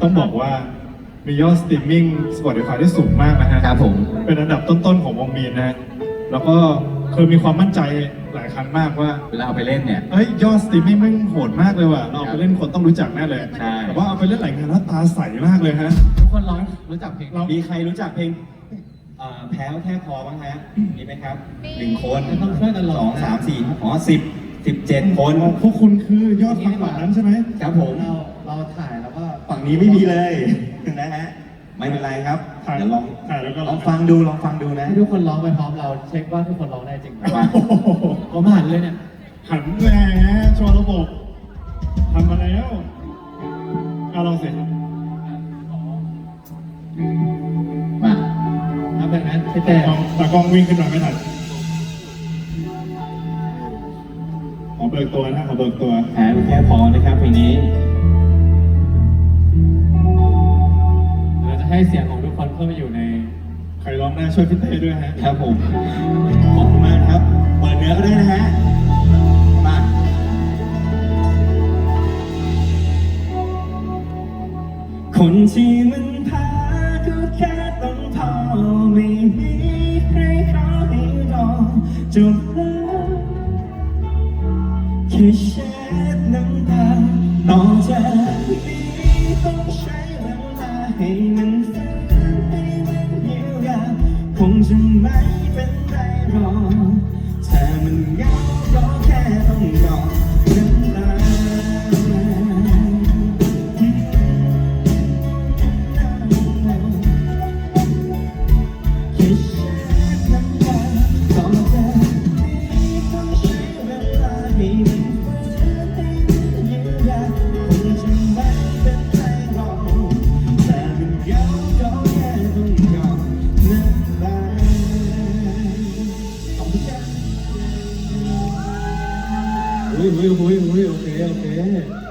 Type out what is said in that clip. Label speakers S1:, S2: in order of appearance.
S1: ต้องบอกว่ามียอดสตรีมมิ่ง Spotify ที่สูงมากนะฮะ
S2: ครับผม
S1: เป็นอันดับต้นๆของวงมีนนะฮะแล้วก็เคยมีความมั่นใจหลายครั้งมากว่า
S2: เวลาเอาไปเล่นเนี่ย
S1: เอ้ยยอดสตรีมมิ่งแม่งโหดมากเลยว่ะเราเอาไปเล่นคนต้องรู้จักแน่เลย
S2: ใช่
S1: แต่ว่าเอาไปเล่นหลายงานแล้วตาใสมากเลยฮะ
S3: ทุกคนร้องรู้จักเพลงเรา
S2: มีใครรู้จักเพลงแพ้วแค่พอบ้างฮะมีไหมครับ1 คน
S3: ต้องช่วยกันร้อง
S2: 2 3 4 17 คน
S1: พวกคุณคือยอดฟังแบบนั้นใช่ไหม
S2: ครับผม
S3: เราถ่ายแล้วก็
S2: ฝั่งนี้ไม่มีเลยนะฮะไม่เป็นไรครับ
S1: ถ่าย
S2: เดี๋ยวลอง
S1: ถ่ายแล้วก็
S2: ลองฟังดูนะ
S3: ให้ทุกคนร้องไปพร้อมเราเช็คว่าทุกคนร้องได้จริงไหม
S2: มา
S3: ผมหันเลยเนี่ย
S1: หันแหมโชว์ระบบทำมาแล้วเอาลองสิ
S2: มา
S3: นับแบบนั้นพี่แต่
S1: ตากล้องวิ่งขึ้นมาไม่ทันขอเบิกตัวนะขอเบิกตัว
S2: แพ้แค่พอนะครับเพลงนี้
S3: เราจะให้เสียงของทุกคนเข้าไปอยู่ใน
S1: ใครร้องได้ช่วยพี่เต้ด้วยฮะ
S2: ครับผมขอบคุณมากครับเปิดเนื้อก็ได้นะฮะมาคนที่มันพาก็แค่ต้องพอไม่มีใครขอให้รอจบแล้วแค่เช็ดน้ำตาต่อจากนี้ต้องใช้เวลาให้มันฟื้นให้มันเยียวยาคงจะไม่เป็นไรหรอกถ้ามันเหงาก็แค่ต้องรอน้ำตาแค่เช็ดน้ำตาต่อจากนี้ต้องใช้เวลาให้มันฟื้นให้มันเยียวยาคงจะไม่เป็นไรหรอกแต่มันเหงาก็แค่ต้องรอน้ำตาขอบคุณครับ
S3: อุ้ยโอเค